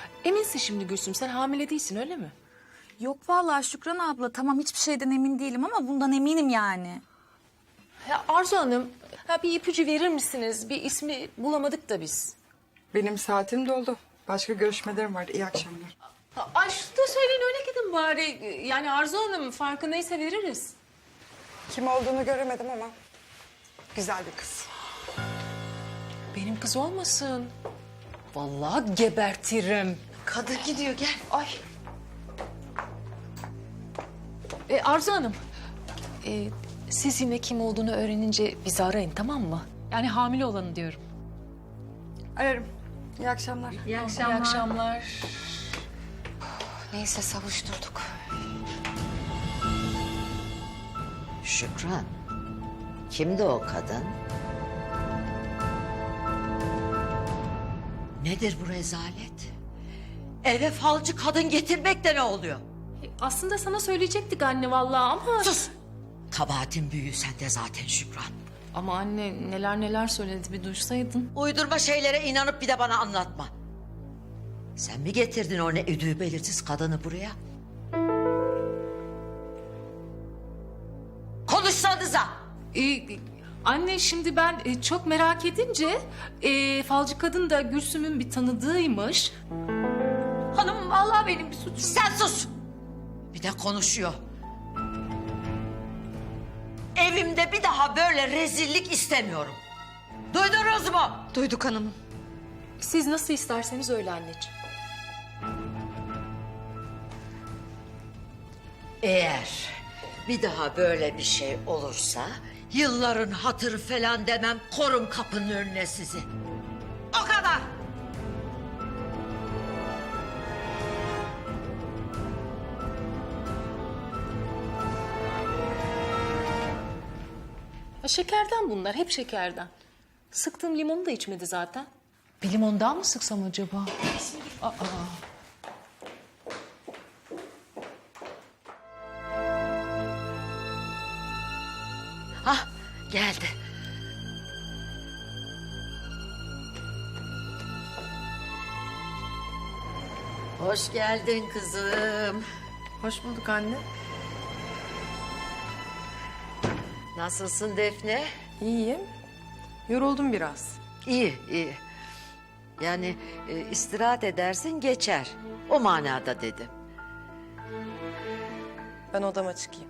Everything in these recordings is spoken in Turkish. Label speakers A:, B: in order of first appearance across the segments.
A: Eminsin şimdi Gülsüm, sen hamile değilsin öyle mi?
B: Yok vallahi Şükran abla, tamam hiçbir şeyden emin değilim ama bundan eminim yani.
A: Ya Arzu Hanım, bir ipucu verir misiniz? Bir ismi bulamadık da biz.
C: Benim saatim doldu. Başka görüşmelerim var. İyi akşamlar.
A: Ay şunu da söyleyin öyle gidin bari. Yani Arzu Hanım farkındaysa veririz.
C: Kim olduğunu göremedim ama güzel bir kız.
A: Benim kız olmasın. Vallahi gebertirim.
D: Kadın gidiyor gel.
A: Ay. Arzu Hanım, siz yine kim olduğunu öğrenince bizi arayın, tamam mı? Yani hamile olanı diyorum.
C: Ararım. İyi akşamlar.
A: İyi akşamlar.
D: Neyse savuşturduk. Şükran. Kimdi o kadın? Nedir bu rezalet? Eve falcı kadın getirmek de ne oluyor?
A: Aslında sana söyleyecektik anne vallahi ama...
D: Sus! Kabahatin büyüğü sende zaten Şükran.
A: Ama anne neler söyledi bir duysaydın.
D: Uydurma şeylere inanıp bir de bana anlatma. Sen mi getirdin o ne ödüğü belirsiz kadını buraya? Konuşsanıza!
A: Anne şimdi ben çok merak edince falcı kadın da Gülsüm'ün bir tanıdığıymış.
D: Hanım vallahi benim bir suçum. Sen sus! Bir de konuşuyor. Evimde bir daha böyle rezillik istemiyorum. Duydunuz mu?
C: Duyduk hanımım.
A: Siz nasıl isterseniz öyle anneciğim.
D: Eğer bir daha böyle bir şey olursa... ...yılların hatırı falan demem, korum kapının önüne sizi. O kadar.
A: Şekerden bunlar, hep şekerden. Sıktığım limonu da içmedi zaten. Bir limon daha mı sıksam acaba?
D: Hah, geldi. Hoş geldin kızım.
C: Hoş bulduk anne.
D: Nasılsın Defne?
C: İyiyim. Yoruldum biraz.
D: İyi, iyi. Yani istirahat edersin geçer. O manada dedim.
C: Ben odama çıkayım.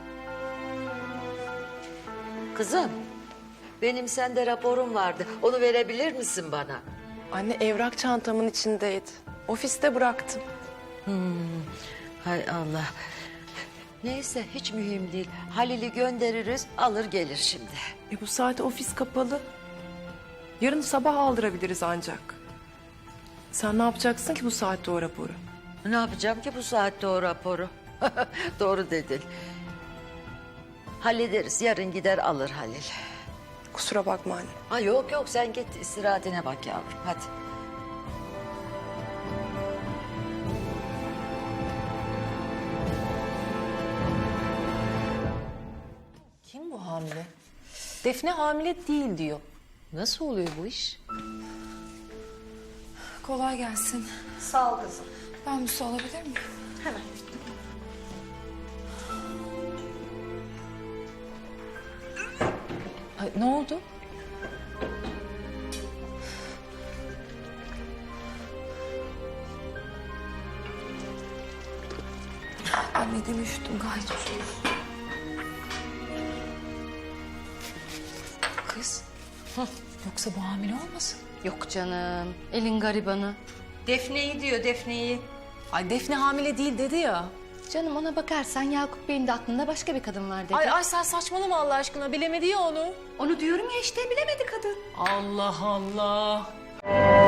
D: Kızım, benim sende raporum vardı. Onu verebilir misin bana?
C: Anne evrak çantamın içindeydi. Ofiste bıraktım.
D: Hay Allah. Neyse hiç mühim değil. Halil'i göndeririz, alır gelir şimdi.
C: Bu saat ofis kapalı. Yarın sabah aldırabiliriz ancak. Sen ne yapacaksın ki bu saatte o raporu?
D: Ne yapacağım ki bu saatte o raporu? Doğru dedin. Hallederiz, yarın gider alır Halil.
C: Kusura bakma anne.
D: Ha yok yok, sen git istirahatine bak yavrum, hadi.
A: Kim bu hamile? Defne hamile değil diyor. Nasıl oluyor bu iş?
B: Kolay gelsin.
D: Sağ ol kızım.
B: Ben bir su alabilir miyim?
A: Ay, ne oldu?
B: Anneden üşüdüm gayet.
A: Kız. Yoksa bu hamile olmasın?
E: Yok canım. Elin garibanı.
F: Defne'yi diyor, Defne'yi.
A: Ay Defne hamile değil dedi ya.
E: Canım ona bakarsan Yakup Bey'in de aklında başka bir kadın var dedi.
A: Ay sen saçmalama Allah aşkına, bilemedi ya onu.
E: Onu diyorum ya işte bilemedi kadın.
A: Allah Allah.